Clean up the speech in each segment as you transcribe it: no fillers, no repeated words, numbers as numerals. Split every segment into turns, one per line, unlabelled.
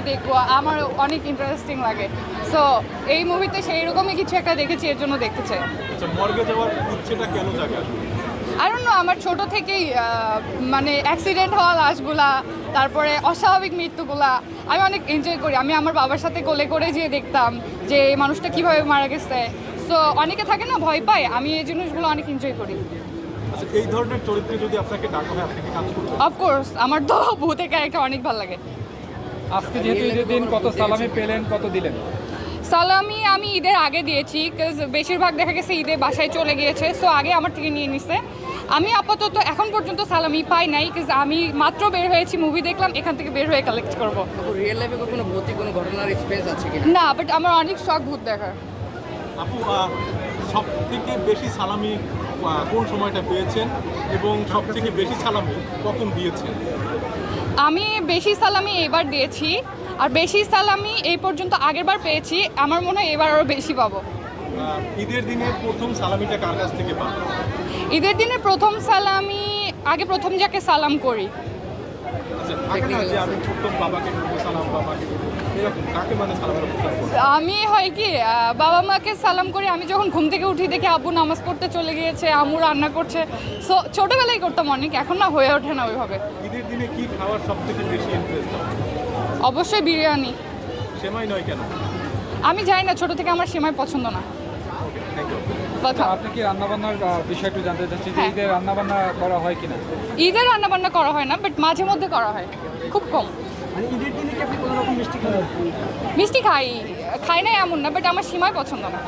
দেখবো, আমার অনেক ইন্টারেস্টিং লাগে। সো এই মুভিতে সেই রকমই কিছু একটা দেখেছি, এর জন্য দেখতে চাই।
আচ্ছা, মর্গে যাওয়ার ইচ্ছেটা কেন জাগে আসলে?
আর অন্য আমার ছোট থেকেই মানে অ্যাক্সিডেন্ট হওয়া লাশগুলা, তারপরে অস্বাভাবিক মৃত্যুগুলা আমি অনেক এনজয় করি। আমি আমার বাবার সাথে কোলে করে যেয়ে দেখতাম যে এই মানুষটা কীভাবে মারা গেছে। সো অনেকে থাকে না ভয় পায়, আমি এই জিনিসগুলো অনেক এনজয় করি।
আচ্ছা, এই ধরনের চরিত্রে যদি আপনাকে ডাকা হয়, আপনি কি কাজ করবেন?
অফকোর্স আমার তো ভূতের ক্যারেক্টার অনেক ভালো লাগে।
আজকে যেহেতু ঈদের দিন, কত সালামি পেলেন, কত দিলেন?
সালামি আমি ঈদের আগে দিয়েছি, বিকজ বেশিরভাগ দেখা গেছে ঈদে বাসায় চলে গিয়েছে, সো আগে আমার থেকে নিয়ে নিছে। আমি আপাতত এখন পর্যন্ত সালামি পাই নাই, বিকজ আমি মাত্র বের হয়েছি, মুভি দেখলাম, এখান থেকে বের হয়ে কালেক্ট করব।
রিয়েল লাইফে কখনো ভৌতিক কোনো ঘটনার এক্সপেরিয়েন্স আছে কি?
না, বাট আমার অনেক শখ ভূত দেখার।
আপু, সব থেকে বেশি সালামি কোন সময়টা পেয়েছেন এবং সব থেকে বেশি সালামি কখন দিয়েছেন?
আমি বেশি সালামি এবার দিয়েছি, আর বেশি সালামি এই পর্যন্ত আগেরবার পেয়েছি, আমার মনে হয় এবার আরও বেশি পাবো।
ঈদের দিনে প্রথম সালামিটা কার কাছ থেকে পান?
ঈদের দিনে প্রথম সালামি আগে প্রথম যাকে সালাম করি।
আচ্ছা, থাকে না যে আমি প্রথম বাবাকে করবো সালাম, বাবাকে করবো, এরকম কাকে মানে সালামের অবস্থান করেন?
আমি হয় কি বাবা মাকে সালাম করি, আমি যখন ঘুম থেকে উঠি দেখি আব্বু নামাজ পড়তে চলে গিয়েছে, আম্মু রান্না করছে। সো ছোটোবেলায় করতাম অনেক, এখন না হয়ে ওঠে না ওইভাবে।
ঈদের দিনে কি খাওয়ার সব থেকে বেশি ইন্টারেস্ট?
অবশ্যই বিরিয়ানি।
সেমাই নয় কেন?
আমি জানি না, ছোটো থেকে আমার সেমাই পছন্দ না।
Thank you.
কথা
আপনি কি রান্নাবান্নার বিষয় একটু জানতে চাচ্ছি যে
হ্যাঁ।
ঈদের রান্নাবান্না করা হয় কিনা?
ঈদের রান্নাবান্না করা হয় না, বাট মাঝে মধ্যে করা হয়, খুব কম।
মানে ঈদের দিনে কি আপনি কোনো রকম মিষ্টি খান?
মিষ্টি খাই না এমন না, বাট আমার সেমাই পছন্দ না।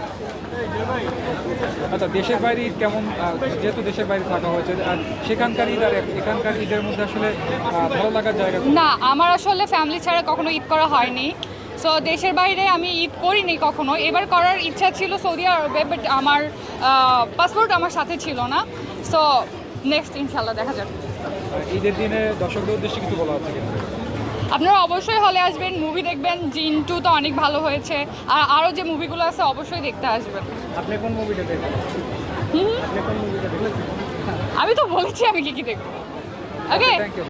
আচ্ছা, দেশের বাইরে ঈদ কেমন, যেহেতু দেশের বাইরে থাকা হয়েছে, আর সেখানকার ঈদ আর এখানকার ঈদের মধ্যে আসলে ভালো লাগার জায়গা কোনটা?
না, আমার আসলে ফ্যামিলি ছাড়া কখনো ঈদ করা হয়নি। সো দেশের বাইরে আমি ঈদ করিনি কখনো। এবার করার ইচ্ছা ছিল সৌদি আরবে, বাট আমার পাসপোর্ট আমার সাথে ছিল না। সো নেক্সট ইনশাল্লাহ দেখা যাক।
ঈদের দিনে দর্শকদের উদ্দেশ্যে কিছু বলা হচ্ছে কিনা?
আপনারা অবশ্যই হলে আসবেন, মুভি দেখবেন। জিন 2 তো অনেক ভালো হয়েছে, আর আরও যে মুভিগুলো আছে অবশ্যই দেখতে আসবেন।
আপনি কোন মুভিটা দেখেন?
হুম,
আপনি কোন মুভিটা দেখেন?
আমি তো বলেছি আমি কি কি দেখবো। ওকে।
Thank you.